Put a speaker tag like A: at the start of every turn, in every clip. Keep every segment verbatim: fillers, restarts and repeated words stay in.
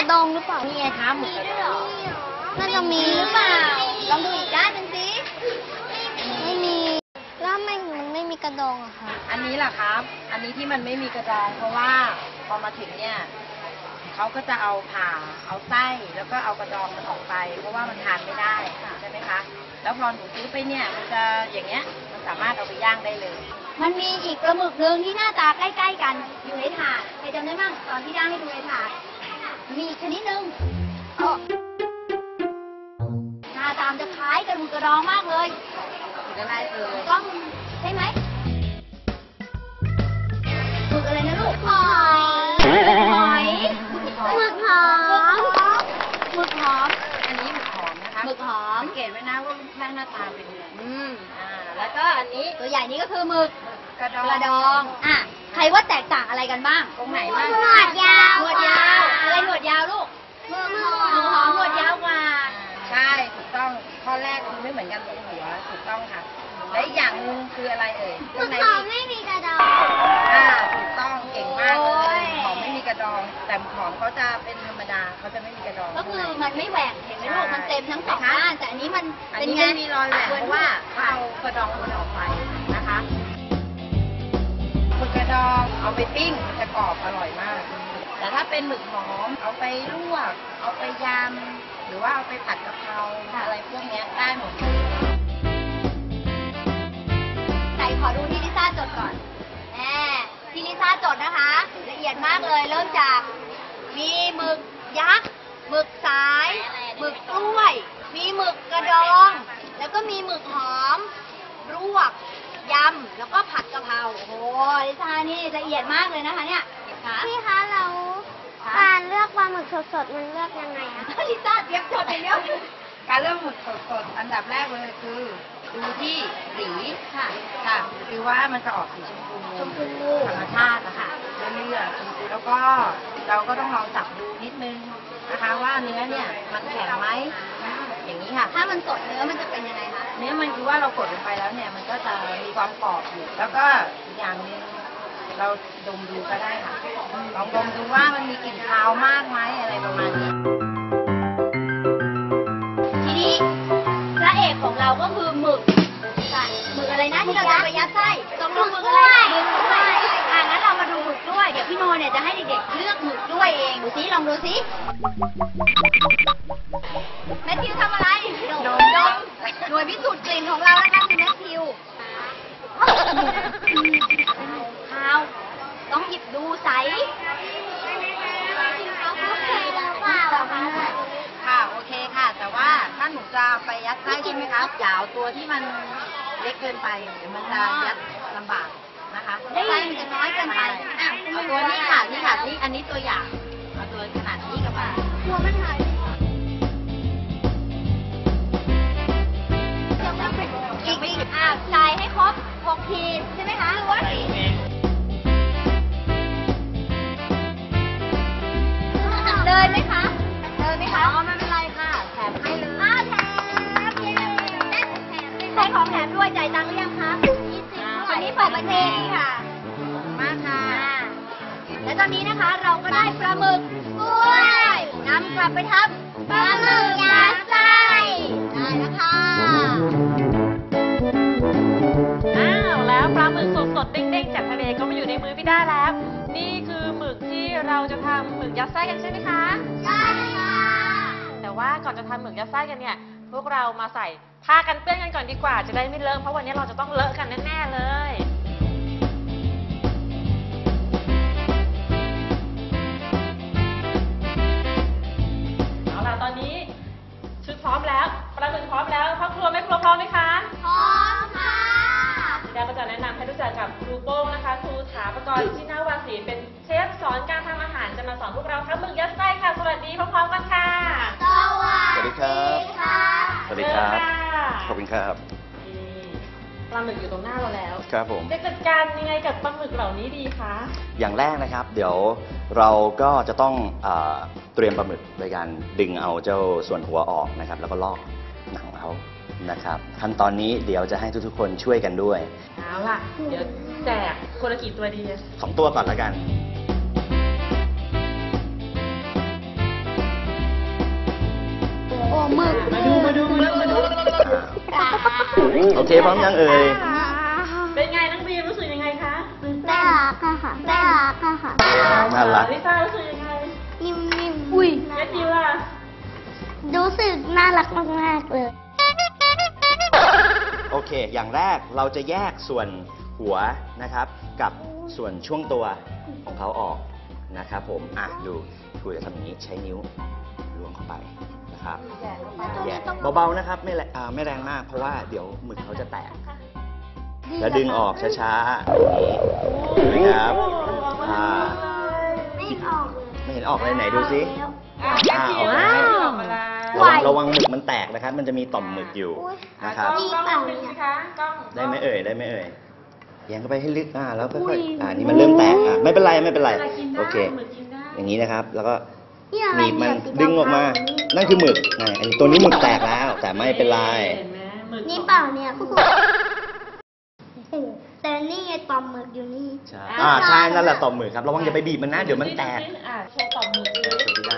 A: ดองหรือเปล่านี่ไงคะมีด้วยเหรอน่าจะมีหรือเปล่าลองดูอีกด้านหนึ่งสิไม่มีแล้วทำไมมันไม่มีกระดองอะคะ
B: อันนี้แหละครับ อันนี้ที่มันไม่มีกระดองเพราะว่าพอมาถึงเนี่ยเขาก็จะเอาผ่าเอาไส้แล้วก็เอากระดองมันออกไปเพราะว่ามันทานไม่ได้ใช่ไหมคะแล้วพอหนูซื้อไปเนี่ยมันจะอย่างเงี้ยมันสามารถเอาไปย่างได้เลย
A: มันมีอีกปลาหมึกหนึ่งที่หน้าตาใกล้ๆกันอยู่ในถาดใครจำได้บ้างตอนที่ย่างให้ดูในถาดมีอีกชนิดหนึ่งหน้าตามจะคล้ายกับหมึกกระดองมากเลย
B: อะไรเอ่ย
A: ต้องใช่ไหมหมึกอะไรนะลูกหอยหอยหมึกหอมหมึกหอม
B: อันนี้หมึกหอมนะคะ
A: หมึกหอม
B: สังเกตไว้นะว่ารูปร่างหน้าตาเป็นยังไงอืมอ่าแล้วก็อันนี้
A: ตัวใหญ่นี้ก็คือหมึก
B: กระดอง
A: กระดองอ่ะใครว่าแตกต่างอะไรกันบ้าง
B: ตรงไหนบ้าง
A: หนวดยาวหนวดยาวอะไรหนวดยาวลูกหมึกหอมหนวดยาวกว่า
B: ใช่ถูกต้องข้อแรกคือไม่เหมือนกันตรงหัวถูกต้องค่ะและอีกอย่างนึงคืออะไรเอ่ย
A: หมึกหอมไม่มีกระดอง
B: อ่าถูกต้องเก่งมากเลยหอมไม่มีกระดองแต่หอมเขาจะเป็นธรรมดาเขาจะไม่มีกระดอง
A: ก็คือมันไม่แหว่งเห็นไหมลูกมันเต็มทั้งสองด้านแต่อันนี้มัน
B: เป็นไงมีรอยแหว่งเพราะว่าเอากระดองมันออกไปนะคะหมึกกระดองเอาไปปิ้งจะกรอบอร่อยมากแต่ถ้าเป็นหมึกหอมเอาไปลวกเอาไปยำหรือว่าเอาไปผัดกะเพราอะไรพวกนี้ได้หมด
A: ไหนขอดูที่ลิซ่าจดก่อนแหมที่ลิซ่าจดนะคะละเอียดมากเลยเริ่มจากมีหมึกยักษ์หมึกสายหมึกกล้วยมีหมึกกระดองแล้วก็มีหมึกหอมลวกยำแล้วก็ผัดกะเพราโอ้โหลิซ่านี่ละเอียดมากเลยนะคะเนี่ย
C: พี่คะเราการเลือกปลาหมึกสดๆมันเลือกยังไงอะ
A: ลิซ่าเตรียมจดอย่างเดียว
B: การเลือกหมึกสดๆอันดับแรกเลยคือดูที่สีค่ะค่ะคือว่ามันจะออกสีชมพู
A: ชมพู
B: ธรรมชาตินะคะเรื่อยๆแล้วก็เราก็ต้องลองจับดูนิดนึงนะคะว่าเนื้อเนี่ยมันแข็งไหมอย่างนี้ค่ะ
A: ถ้ามันสดเนื้อมันจะเป็นยังไงคะ
B: เนื้อมันคือว่าเรากดลงไปแล้วเนี่ยมันก็จะมีความกรอบอยู่แล้วก็อีกอย่างนึงเราดมดูก็ได้ค่ะลองดมดูว่ามันมีกลิ่นคาวมากไหมอะไรประมาณนี้
A: ทีนี้พระเอกของเราก็คือหมึกหมึกอะไรนะที่เราจะไปยัดไส้ต้องลงหมึกอะไรหมึกกล้วยอ่ะงั้นเรามาดูหมึกกล้วยเดี๋ยวพี่โนเนี่ยจะให้เด็กๆเลือกหมึกกล้วยเองดูซิลองดูซิแมทธิวทำอะไรดมดมหน่วยพิสูจน์กลิ่นของเรานะคะคือแมทธิวข้าวต้องหยิบดูใส
B: ค่ะโอเคค่ะแต่ว่าถ้าหนูจะไปยัดไส้ใช่ไหมคะอย่าเอาตัวที่มันเล็กเกินไปเดี๋ยวมันจะยัดลำบากนะคะ
A: ไส้มันจะน้อยเกินไป
B: เอาตัวนี้ค่ะนี่ค่ะนี่อันนี้ตัวอย่างเอาตัวขนาดนี้กับมัน
A: หัวมันหายอีกอีกอ่ะใส่ให้ครบหกขีดใช่ไหมคะหรือว่าเลยไหมคะเลยไหมคะ
B: อ๋อไม่เป็นไรค่ะแถมให้เลย
A: อ้าวแถมใช้ของแถมด้วยจ่ายตังค์หรือยังคะวันนี้เปิดประเทศนี่ค่ะ
B: มากค่ะ
A: และตอนนี้นะคะเราก็ได้ปลาหมึกกล้วยนำกลับไปทำปลาหมึกยัดไส้ได้แล้วค่ะ
D: อ้าวแล้วปลาหมึกสดๆเด้งๆจากทะเลก็มาอยู่ในมือพี่ด้าแล้วนี่คือหมึกที่เราจะทำหมึกยัดไส้กันใช่ไหมคะ
A: ใช่ค่ะ
D: แต่ว่าก่อนจะทำหมึกยัดไส้กันเนี่ยพวกเรามาใส่ผ้ากันเปื้อนกันก่อนดีกว่าจะได้ไม่เลอะเพราะวันนี้เราจะต้องเลอะกันแน่ๆเลยเอาล่ะตอนนี้ชุดพร้อมแล้วปลาหมึกพร้อมแล้วพ่อครัวแม่ครัวพร้อมไหมคะ
A: พร้อมค่ะ
D: พี่ดาก็จะแนะนำให้รู้จักกับครูโป้งนะคะครูถาปกรณ์ชินาวาสีเป็นเชฟสอนการทำอาหารจะมาสอนพวกเราทำหมึกยัดไส้ค่ะสวัสดีพร้อมๆกันค่ะ
A: สวัสดีค่ะ
E: สวัสดีครับขอบคุณครับ
D: ปลาหมึกอยู่ตรงหน้าเราแล้ว
E: ครับผม
D: จะจัดการยังไงกับปลาหมึกเหล่านี้ดีคะ
E: อย่างแรกนะครับเดี๋ยวเราก็จะต้องเอ่อเตรียมปลาหมึกโดยการดึงเอาเจ้าส่วนหัวออกนะครับแล้วก็ลอกหนังเอานะครับขั้นตอนนี้เดี๋ยวจะให้ทุกๆคนช่วยกันด้วย
D: เอาล่ะเดี๋ยวแจกคนละกี่ตัวดี
E: สองตัวก่อนแล้วกัน
C: หมึก
D: มาดูมาดูมาดูมาดู
E: อ่าโอเคพร้อมยังเอ่ย
D: เป็นไงน้องบีมรู้สึกยังไงคะตื่นเต้
C: น่าน รักอะค่ะน่ารักอะค่ะ
E: น่ารัก
D: ลิซ่ารู้สึกยังไง
C: นิ่มๆอุ้ย
D: แมทธิวล่ะ
C: รู้สึกน่ารักมากๆเลย
E: โอเค อย่างแรกเราจะแยกส่วนหัวนะครับ กับส่วนช่วงตัวของเขาออกนะครับผม อ่ะดูครูจะทำอย่างนี้ใช้นิ้วล้วงเข้าไปนะครับแยกเบาๆนะครับไม่แรงอ่าไม่แรงมากเพราะว่าเดี๋ยวหมึกเขาจะแตก แล้วดึงออกช้าๆอย่างนี้นะครับอ่า
C: ไม่ออกเลย
E: ไม่เห็นออกเลยไหนดูซิ
D: อ่ะแมทธิว
E: อ่า
D: ออกมาแล้ว
E: ระวังระวังหมึกมันแตกนะครับ มันจะมีต่อมหมึกอยู่
D: อ่ะ
E: นะครับ
D: กล้องกล้องเป็นสิคะกล้อง
E: ได้ไหมเอ่ยได้ไหมเอ่ยแยงเข้าไปให้ลึกอ่าแล้วค่อยๆอ่านี่มันเริ่มแตกอ่ะไม่เป็นไรไม่เป็นไร
D: อะไรกินได้
E: โอเค
D: หมึกกินได้
E: อย่างนี้นะครับ แล้วก็
C: นี่อะไร
E: หนีบมัน
C: เยสี
E: ดึงออกมา
C: ดำๆ
E: นั่นคือหมึกไงอันนี้ตัวนี้หมึกแตกแล้ว แต่ไม่เป็นไร
D: เห็นไหมหมึก
C: นี่เปล่าเนี่ยแต่นี่ไงต่อมหมึกอยู่นี่
E: ใช่อ่าใช่นั่นแหละต่อมหมึกครับระวังอย่าไปบีบมันนะเดี๋ยวมันแตก
D: อ่ะโชว์ต่อมหมึกสิ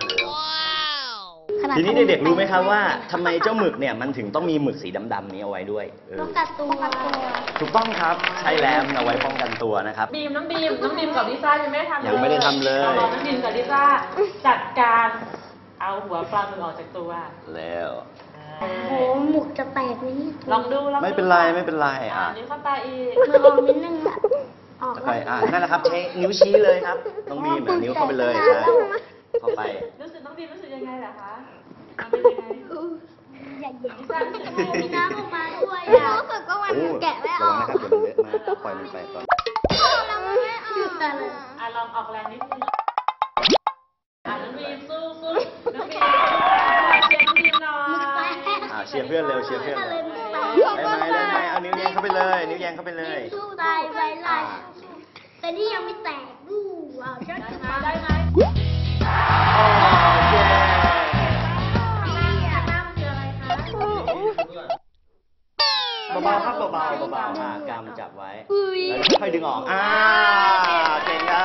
C: ขนาด
E: ทีนี้เด็กๆรู้ไหมครับว่าทำไมเจ้าหมึกเนี่ยมันถึงต้องมีหมึกสีดำๆนี้เอาไว้ด้วยเออ
C: ป้องกันตัว
E: ถูกต้องครับใช่แล้วมันเอาไว้ป้องกันตัวนะครับ
D: บีมน้องบีมน้องบีมกับลิซ่ายังไม่ได้ทำ
E: ยังไม่ได้ทำเลย
D: อาบอกน้องบีมกับลิซ่าจัดการเอาหัวปลาหมึกออกจากตัว
E: แล้ว
C: โอ้โหหมุกจะแตกไหมเนี่ย
D: ลองดูลองดู
E: ไม่เป็นไรไม่เป็นไร
D: อ่า
E: อ่ะ
D: นิ้วเข้าไปอีก
C: มือออกนิดนึงอะออก
E: ค่อยๆอ่ะนั่นแหละครับใช้นิ้วชี้เลยครับต้องบีบอ่ะนิ้วเข้าไปเลยใช่เข้าไป
D: รู้สึกน้องบีมรู้สึกยังไงล่ะคะอ่ะเป็นยังไง
C: อย่าหยิบ
D: ลิซ่ารู้สึกยังไง
C: มีน้ำออกมาด้วยอะรู้สึกว่ามัน
E: โอ้
C: แกะไม่อ
E: ระ
C: อ
E: วัง
C: ก
E: นะครับเดี๋ยวมันเลอะมากปล่อยมันไปก่อน
C: แล้วมันไม่ออกแต่เลย
D: อ่ะลองออกแรงนิดนึงอ่ะน้องบีมสู้สู้น้องบีมเชียร์น้องบีมหน่อย
E: อ่าเชียร์เพื่อนเร็วเชียร์เพื่อนเร็วได้ไหมได้ไหมเอานิ้วแยงเข้าไปเลย นิ้วแยงเข้าไปเลย
C: สู้ตายไปไล่แต่นี่ยังไม่แตกดูอ่ะจะ
D: ได้ไหมได้ไหม
E: โอเค เบาๆครับเบาๆเบาๆอ่ากำจับไว้ แล้วค่อยๆดึงออก อ่า เก่งครับ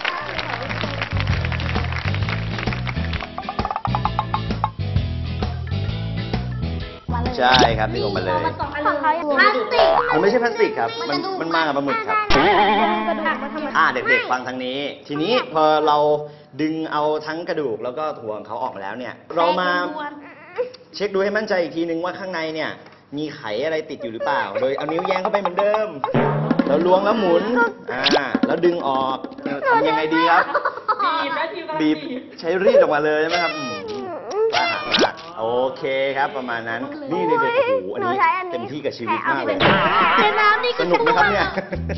E: ใช่ครับดึงออกมาเลย
C: ของเขาพลาสติก
E: มันไม่ใช่พลาสติกครับ มันมันมากับปลาหมึกครับ
C: กระดูกมาทำไม
E: อ่าเด็กๆฟังทางนี้ ทีนี้พอเราดึงเอาทั้งกระดูกแล้วก็ถั่วของเขาออกมาแล้วเนี่ย เรามาเช็คดูให้มั่นใจอีกทีนึงว่าข้างในเนี่ย มีไขอะไรติดอยู่หรือเปล่า โดยเอานิ้วแยงเข้าไปเหมือนเดิม แล้วล้วงแล้วหมุน อ่า แล้วดึงออกทำยังไงดีครับ
D: บีบแม่ทีมกำลัง
E: บีบ
D: บีบ
E: ใช้รีดออกมาเลยใช่ไหมครับอืมกล้าหาญมากโอเคครับประมาณนั้น นี่เด็กๆโอ้โหอันนี้เต็มที่กับชีวิตมากเลย
C: ในน้ำนี่
E: สนุกไหมครับเนี่ย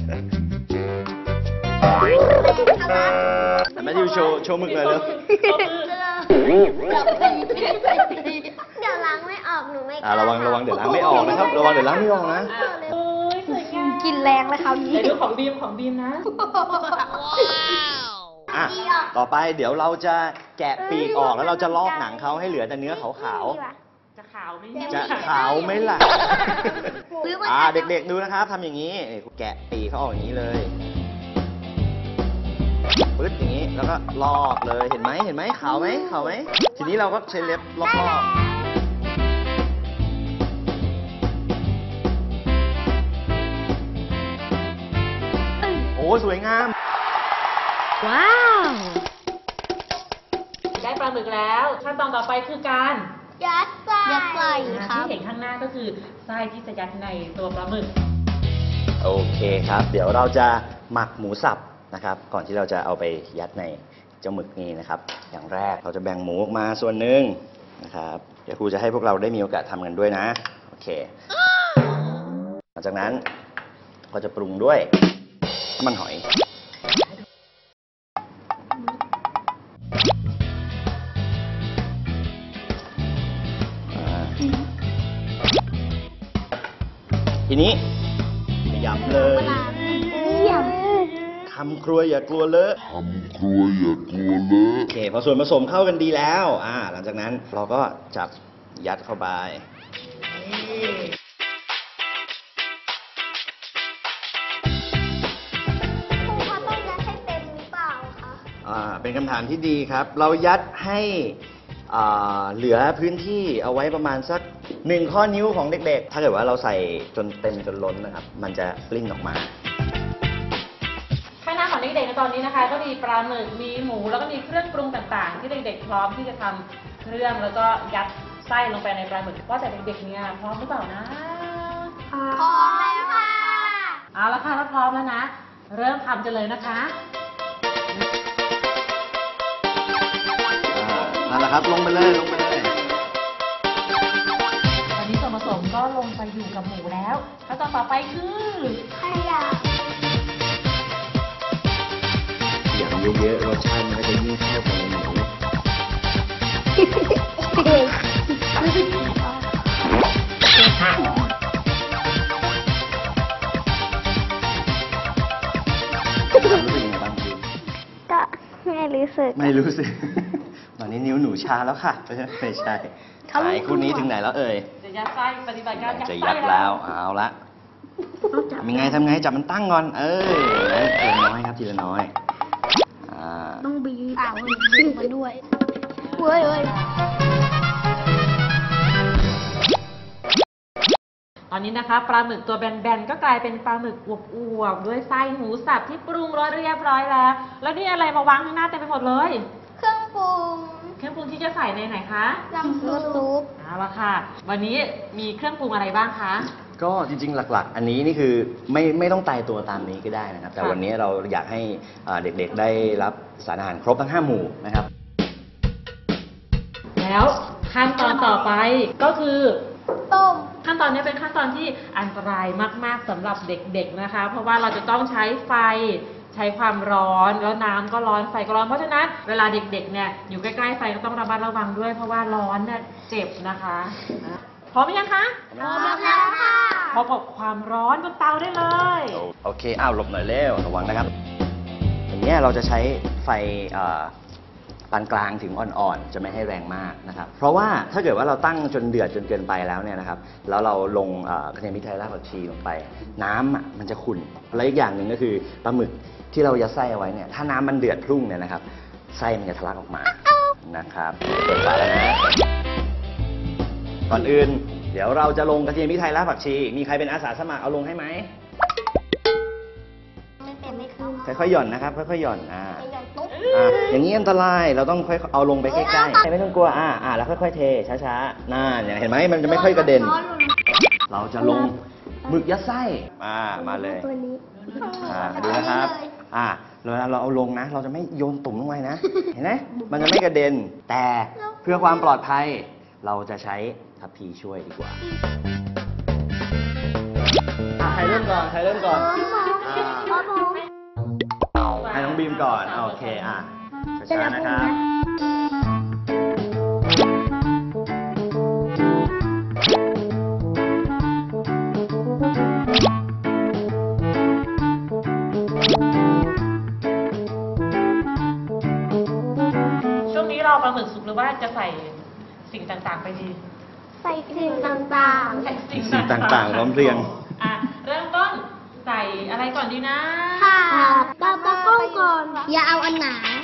E: แมทธิวโชว์โชว์หมึกหน่อยเร็ว
C: เดี๋ยวล้างไม่ออกหนูไม่ก
E: อ่า
C: ล้า
E: ระวังระวังเดี๋ยวล้างไม่ออกนะครับ ระวังเดี๋ยวล้างไม่ออกนะ
D: อ่ะโอ้ยสวยงาม
C: กินแรงเลยคราวนี้
D: เดี๋ยวดูของบีมของบีมนะ
E: อ่ะต่อไปเดี๋ยวเราจะแกะปีกออกแล้วเราจะลอกหนังเขาให้เหลือแต่เนื้อขาว
D: จะขาวไหม
E: ๆ จะขาวไหมล่ะ อ่าเด็กๆดูนะครับทำอย่างนี้นี่แกะปีกเขาออกอย่างนี้เลยปึ๊ดอย่างนี้แล้วก็ลอกเลยเห็นไหมเห็นไหมขาวไหมขาวไหมทีนี้เราก็ใช้เล็บลอกๆโอ้สวยงาม
C: ว้าว
D: ได้ปลาหมึกแล้วขั้นตอนต่อไปคือการ
C: ยัดใส่ยัดใส่ครั
D: ที่
C: บ
D: เห็นข้างหน้าก็คือไส้ที่จะยัดในตัวปลาหมึก
E: โอเคครับ เดี๋ยวเราจะหมักหมูสับนะครับ ก่อนที่เราจะเอาไปยัดในเจ้าหมึกนี้นะครับ อย่างแรกเราจะแบ่งหมูออกมาส่วนหนึ่งนะครับ เดี๋ยวครูจะให้พวกเราได้มีโอกาสทำกันด้วยนะ โอเค หลังจากนั้นก็จะปรุงด้วยน้ำมันหอย อ่าทีนี้ยำเลยทำครัวอย่ากลัวเลอะ
F: ทำครัวอย่ากลัวเลอะ
E: โอเคพอส่วนผสมเข้ากันดีแล้ว อ่า หลังจากนั้นเราก็จับยัดเข้าไป
C: ครูเขาต้องยัดให้เต็มหรือเปล่าคะ
E: อ่า เป็นคำถามที่ดีครับ เรายัดให้อ่าเหลือพื้นที่เอาไว้ประมาณสักหนึ่งข้อนิ้วของเด็กๆ ถ้าเกิดว่าเราใส่จนเต็มจนล้นนะครับ มันจะปลิ้นออกมา
D: ข้างหน้าของเด็กๆในตอนนี้นะคะ ก็มีปลาหมึกมีหมูแล้วก็มีเครื่องปรุงต่างๆ ที่เด็กๆพร้อมที่จะทำเครื่องแล้วก็ยัดไส้ลงไปในปลาหมึกว่าแต่เด็กๆเนี่ยพร้อมหรือเปล่านะ
C: พร้อมแล้วค่ะ
D: เอาละค่ะถ้าพร้อมแล้วนะ เริ่มทำกันเลยนะคะ
E: นั่นแหละครับ ลงไปเลยลงไปเลย
D: ตอนนี้ส่วนผสมก็ลงไปอยู่กับหมูแล้วขั้นตอนต่อไปคือ
C: ขยะ
E: อย่างเยอะๆรสชาติมันก็จะยิ่งเข้าไปในหมู รู้สึกยังไงบ้างพี่
C: ก็ไม่รู้สึก
E: ไม่รู้สึก ตอนนี้นิ้วหนูชาแล้วค่ะไม่ใช่ขายคู่นี้ถึงไหนแล้วเอ่ย
D: จะยัดไส้ปฏิบัติการยัด
E: จะ
D: ไส้
E: ยัดแล้วเอาละมีไงทำไงจับมันตั้งก่อน เออทีละน้อยครับทีละน้อยอ่า
C: ต้องบีบอ่าบีบมาด้วยเว้ยเว้ย
D: ตอนนี้นะคะปลาหมึกตัวแบนๆก็กลายเป็นปลาหมึกอวบๆด้วยไส้หมูสับที่ปรุงรสเรียบร้อยแล้ว แล้วนี่อะไรมาวางข้างหน้าเต็มไปหมดเลย
C: เครื่องปรุง
D: เครื่องปรุงที่จะใส่ในไหนคะ
C: น้ำซุป
D: เอาละค่ะ วันนี้มีเครื่องปรุงอะไรบ้างคะ
E: ก็จริงๆหลักๆ อันนี้นี่คือไม่ไม่ต้องตายตัวตามนี้ก็ได้นะครับ แต่
D: ค่ะ
E: วันนี้เราอยากให้อ่าเด็กๆได้รับสารอาหารครบทั้งห้าหมู่นะครับ
D: แล้วขั้นตอนต่อไปก็คือ
C: ต้ม
D: ขั้นตอนนี้เป็นขั้นตอนที่อันตรายมากๆสำหรับเด็กๆนะคะ เพราะว่าเราจะต้องใช้ไฟใช้ความร้อนแล้วน้ำก็ร้อนไฟก็ร้อนเพราะฉะนั้นเวลาเด็กๆเนี่ยอยู่ใกล้ๆไฟก็ต้องระมัดระวังด้วย เพราะว่าร้อนเนี่ยเจ็บนะคะพร้อมหรือยังคะ
C: พร้อมแล้วค่ะ
D: พบกับความร้อนบนเตาได้เลย
E: โอเค อ้าวหลบหน่อยเร็วระวังนะครับ อย่างเนี้ยเราจะใช้ไฟอ่าปานกลางถึงอ่อนๆ จะไม่ให้แรงมากนะครับ เพราะว่าถ้าเกิดว่าเราตั้งจนเดือดจนเกินไปแล้วเนี่ยนะครับ แล้วเราลงอ่ากระเทียมพริกไทยรากผักชีลงไป น้ำอ่ะมันจะขุ่น และอีกอย่างหนึ่งก็คือปลาหมึกที่เรายัดไส้เอาไว้เนี่ย ถ้าน้ำมันเดือดพรุ่งเนี่ยนะครับ ไส้มันจะทะลักออกมา นะครับเปิดฝาแล้วนะ ก่อนอื่น เดี๋ยวเราจะลงกระเทียมพริกไทยรากผักชี มีใครเป็นอาสาสมัครเอาลงให้ไหม
C: ไม่เป็นไม่ขึ้น
E: ค่อยๆหย่อนนะครับ ค่อยๆหย่อน อ่า
C: ไปหย่อนปุ๊บ
E: อ่า อย่างนี้อันตราย เราต้องค่อยเอาลงไปใกล้ๆ ไม่ต้องกลัว อ่า อ่า แล้วค่อยๆเท ช้าๆน่าเนี่ยเห็นไหม มันจะไม่ค่อยกระเด็น เราจะลงหมึกยัดไส้ อ่า มาเลย
C: ตัวนี้
E: อ่า ดูนะครับ อ่าเวลาเราเอาลงนะ เราจะไม่โยนตุ่มลงไปนะ เห็นไหม มันจะไม่กระเด็น แต่เพื่อความปลอดภัย เราจะใช้ทัพพีช่วยดีกว่า อ่าใครเริ่มก่อน ใครเริ่มก่อน อ่า ให้น้องบีมก่อน โอเค อ่ะช้าๆนะครับ
D: ช่วงนี้รอปลาหมึกสุกหรือว่าจะใส่สิ่งต่างๆไปดี
C: ใส่สิ่งต่าง
D: ใส่สิ่ง
E: สิ่งต่างๆพร้อมเพรียง
D: อ่ะเริ่มต้นใส่อะไรก่อนดีนะ
C: ๆ ค่ะปลาปลาก้องก่อน อย่าเอาอันหนา